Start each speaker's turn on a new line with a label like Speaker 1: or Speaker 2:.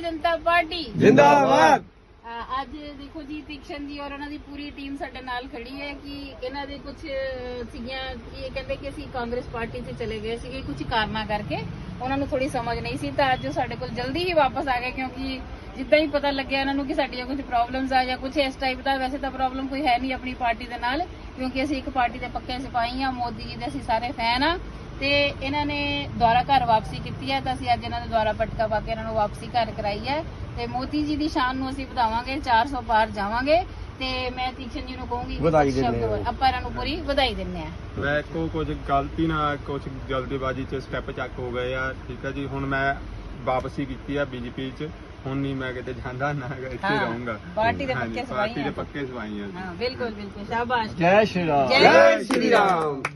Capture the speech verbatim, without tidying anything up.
Speaker 1: ਜਨਤਾ party
Speaker 2: ਜਿੰਦਾਬਾਦ।
Speaker 1: ਅੱਜ ਦੇਖੋ ਜੀ ਤੀਕਸ਼ਨ ਜੀ ਔਰ ਉਹਨਾਂ ਦੀ ਪੂਰੀ ਟੀਮ ਸਾਡੇ ਨਾਲ ਖੜੀ ਹੈ ਕਿ ਇਹਨਾਂ ਦੇ ਕੁਝ ਸੀਗੀਆਂ ਕਿ ਇਹ ਕਹਿੰਦੇ ਕਿ ਅਸੀਂ ਕਾਂਗਰਸ ਪਾਰਟੀ 'ਚ ਚਲੇ ਗਏ ਸੀਗੇ ਕੁਝ ਕਾਰਨਾਂ ਕਰਕੇ, ਉਹਨਾਂ ਨੂੰ ਥੋੜੀ ਸਮਝ ਨਹੀਂ ਸੀ ਤਾਂ ਅੱਜ ਉਹ ਸਾਡੇ ਕੋਲ ਜਲਦੀ ਹੀ ਵਾਪਸ ਆ ਗਏ ਕਿਉਂਕਿ ਜਿੱਦਾਂ ਹੀ ਪਤਾ ਲੱਗਿਆ ਇਹਨਾਂ ਨੂੰ ਕਿ ਸਾਡੀਆਂ ਕੁਝ ਪ੍ਰੋਬਲਮਸ ਆ ਜਾਂ ਕੁਝ ਇਸ ਟਾਈਪ ਦਾ। ਵੈਸੇ ਤਾਂ ਪ੍ਰੋਬਲਮ ਕੋਈ ਹੈ ਨਹੀਂ ਆਪਣੀ ਪਾਰਟੀ ਦੇ ਨਾਲ ਕਿਉਂਕਿ ਅਸੀਂ ਇੱਕ ਪਾਰਟੀ ਦੇ ਪੱਕੇ ਸਿਪਾਹੀ ਆ, ਮੋਦੀ ਜੀ ਦੇ ਅਸੀਂ ਸਾਰੇ ਫੈਨ ਆ ਤੇ ਇਹਨਾਂ ਨੇ ਦੁਆਰਾ ਘਰ ਵਾਪਸੀ ਕੀਤੀ ਹੈ ਤਾਂ ਅਸੀਂ ਅੱਜ ਇਹਨਾਂ ਦੇ ਦੁਆਰਾ ਪਟਕਾ ਪਾ ਕੇ ਇਹਨਾਂ ਨੂੰ ਵਾਪਸੀ ਘਰ ਕਰਾਈ ਹੈ ਤੇ ਮੋਦੀ ਜੀ ਦੀ ਸ਼ਾਨ ਨੂੰ ਅਸੀਂ ਵਧਾਵਾਂਗੇ, ਚਾਰ ਸੌ ਪਾਰ ਜਾਵਾਂਗੇ ਤੇ ਮੈਂ ਤੀਕਸ਼ਨ ਜੀ ਨੂੰ ਕਹੂੰਗੀ
Speaker 2: ਵਧਾਈ ਦਿੰਦੇ ਹਾਂ।
Speaker 1: ਆਪਾਂ ਇਹਨਾਂ ਨੂੰ ਪੂਰੀ ਵਧਾਈ ਦਿੰਦੇ ਆ।
Speaker 3: ਮੈਂ ਕੋ ਕੁਝ ਗਲਤੀ ਨਾਲ ਕੁਝ ਜਲਦਬਾਜ਼ੀ ਚ ਸਟੈਪ ਚੱਕ ਹੋ ਗਏ ਆ, ਠੀਕ ਆ ਜੀ। ਹੁਣ ਮੈਂ ਵਾਪਸੀ ਕੀਤੀ ਆ ਬੀਜੇਪੀ ਚ, ਹੁਣ ਨਹੀਂ ਮੈਂ ਕਿਤੇ ਜਾਂਦਾ ਨਾ ਇੱਥੇ ਰਹੂੰਗਾ।
Speaker 1: ਪਾਰਟੀ ਦੇ ਪੱਕੇ ਸਿਪਾਹੀ
Speaker 3: ਪਾਰਟੀ ਦੇ ਪੱਕੇ ਸਿਪਾਹੀ ਆ।
Speaker 1: ਹਾਂ ਬਿਲਕੁਲ ਬਿਲਕੁਲ, ਸ਼ਾਬਾਸ਼।
Speaker 2: ਜੈ ਸ਼੍ਰੀ ਰਾਮ।
Speaker 1: ਜੈ
Speaker 2: ਸ਼੍ਰੀ ਰਾਮ।